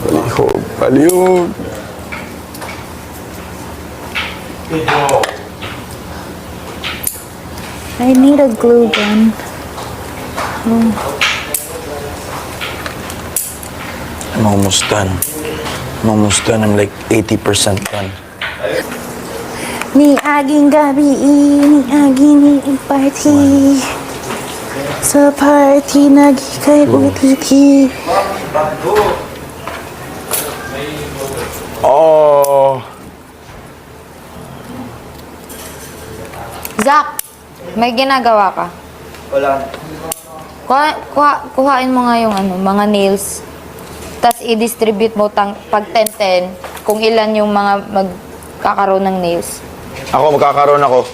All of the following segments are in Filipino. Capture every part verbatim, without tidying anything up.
Palihog, palihog. I need a glue gun. Oh. I'm almost done. I'm almost done. I'm like eighty percent done. Ni aging gabi, ni aging party. Sa party, nagikay ulit-ulit. Oh! Zach, may ginagawa ka? Wala. Kuha, kuha, kuhain mo nga yung ano, mga nails. Tapos i-distribute mo tang, pag ten ten kung ilan yung mga magkakaroon ng nails. Ako, magkakaroon ako.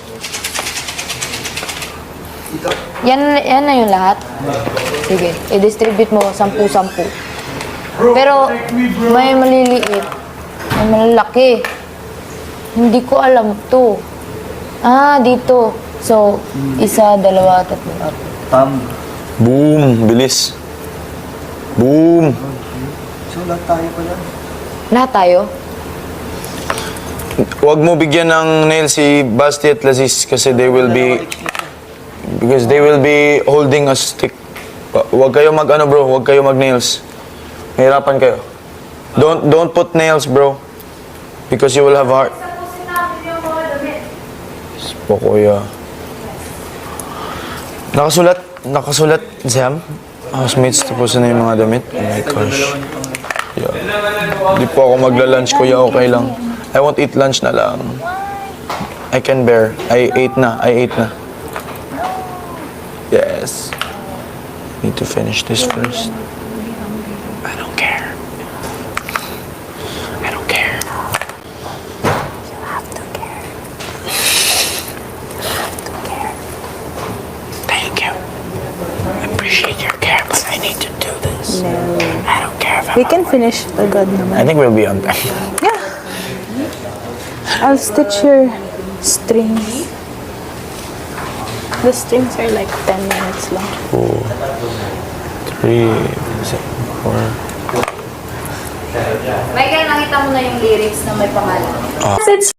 Yan, yan na yung lahat? Sige, i-distribute mo sampu-sampu. Pero may maliliit, may malalaki. Hindi ko alam to. Ah, dito. So, isa, dalawa, tatlo, apat. Tam. Boom! Bilis. Boom! So, lahat tayo pala. Lahat tayo? Huwag mo bigyan ng nail si Basti at Lazis kasi they will be... Because they will be holding a stick. Wa- Huwag kayo mag ano bro, huwag kayo mag nails. Mahirapan kayo. Don't don't put nails bro. Because you will have heart. Po kuya. Nakasulat, nakasulat, Zam. Housemates, tapusin na yung mga damit. Oh my gosh. Yeah. Di po ako magla-lunch, kuya, okay lang. I won't eat lunch na lang. I can bear. I ate na, I ate na. Yes. Need to finish this first. I don't care. I don't care. You have to care. You have to care. Thank you. I appreciate your care, but I need to do this. No. I don't care if I'm... We can finish agad I naman. think we'll be on time. Yeah. I'll stitch your strings. The strings are like ten minutes long. Two, three, four. Michael, nakita mo na yung lyrics na may pangalan. It's